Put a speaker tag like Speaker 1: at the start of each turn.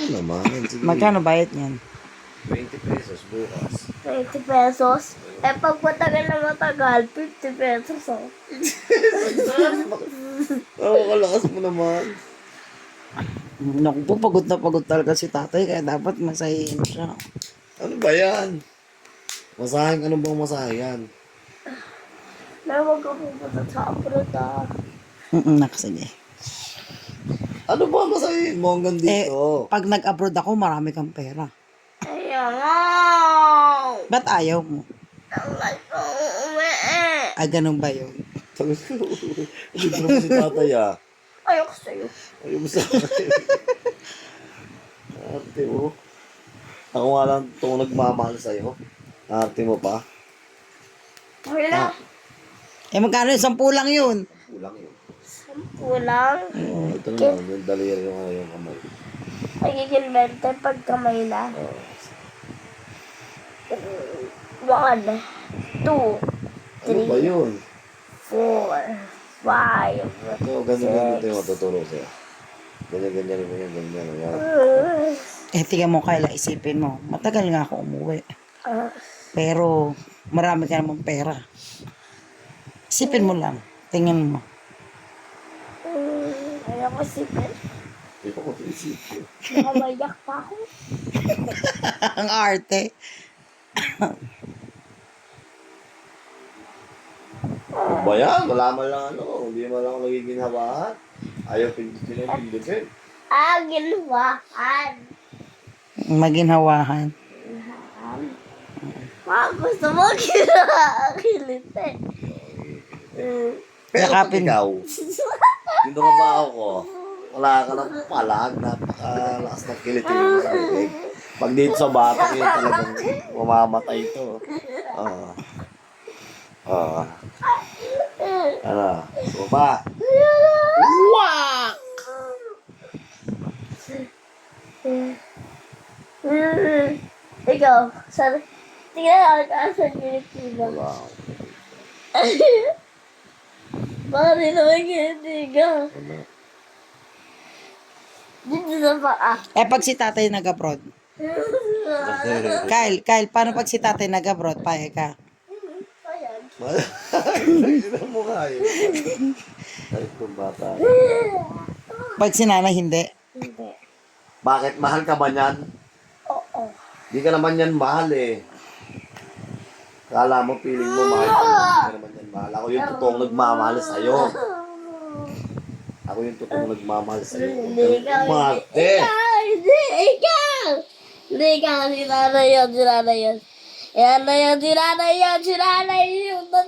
Speaker 1: naman. Sige.
Speaker 2: Magkano bayad niyan?
Speaker 1: 20 pesos bukas.
Speaker 3: 20 pesos. Eh, pag matagal na matagal, 50 pesos oh.
Speaker 1: Kalakas mo naman.
Speaker 2: Naku po, pagod na pagod talaga si tatay, kaya dapat masahin siya.
Speaker 1: Ano ba yan? Masahin, ano bang masahin?
Speaker 3: Na wag ka pupunta sa abroad ah.
Speaker 2: Sige.
Speaker 1: Ano ba masahin mo hanggang dito?
Speaker 2: Pag nag-abroad ako, marami kang pera.
Speaker 3: Ayaw nga.
Speaker 2: Ba't ayaw mo?
Speaker 3: Ang gusto umuwi.
Speaker 2: Ganun ba yun?
Speaker 1: Libro mo si tatay ah.
Speaker 3: Ayoko sa'yo.
Speaker 1: Ayaw mo sa akin. Ate mo. Ako nga lang itong nagmamahal sa'yo. Ate mo pa.
Speaker 3: Okay na.
Speaker 2: Magkano yung 10 lang yun?
Speaker 1: Kulang yun.
Speaker 3: 10 lang.
Speaker 1: Ito na lang. Yung daliri yung kamay.
Speaker 3: Magiging 20 pag kamay na. 1, 2, 3,
Speaker 1: Ano ba yun?
Speaker 3: 4, 5.
Speaker 1: Ito, ganyan yung matuturo sa'yo. Ganyan mo yan, ganyan mo yan.
Speaker 2: Tingnan mo, Kayla, isipin mo. Matagal nga ako umuwi. Pero, marami ka namang pera. Isipin mo lang. Tingnan mo.
Speaker 3: Ayoko sipin.
Speaker 1: Hindi ko isipin.
Speaker 3: Nakamayak pa ako.
Speaker 2: Ang arte.
Speaker 1: Ano ba yan? Wala man lang ano. Hindi man lang nagiging hawahan. Ayaw pindutin ang pindutin.
Speaker 3: Ginawahan.
Speaker 2: Maginhawahan.
Speaker 3: Gusto mo kinakilitin.
Speaker 1: Pero pag
Speaker 2: Yakapin.
Speaker 1: ikaw, dito ka ba ako? Wala ka ng palag, napakalakas ng kilitin mo sa bibig. Pag dito sa bata, yun talagang mamamatay ito. Ano? So ba?
Speaker 2: Wak!
Speaker 3: Ikaw, tingnan ako sa Pilipinas.
Speaker 1: Wow.
Speaker 3: Bakit di naman kinitigan?
Speaker 1: Ano?
Speaker 3: Dito na ba ah?
Speaker 2: Pag si tatay nag-abroad. Kyle, paano pag si tatay nag-abroad? Payag ka.
Speaker 3: Ayan.
Speaker 1: Hindi na mukha yun. Ay, itong bata.
Speaker 2: Pag si nanay, hindi.
Speaker 3: Hindi.
Speaker 1: Bakit? Mahal ka ba niyan?
Speaker 3: Oo.
Speaker 1: Di ka naman yan mahal eh. Kala mo, feeling mo mahal ka naman. Di ka naman yan mahal. Ako yung totoong nagmamahal sa'yo. Ako yung totoong nagmamahal sa'yo.
Speaker 3: Hindi ikaw.
Speaker 1: Umarte!
Speaker 3: Hindi ikaw. Hindi ikaw. Si nanay yun. Si nanay yun. Si nanay yun. Si nanay yun. Si nanay yun.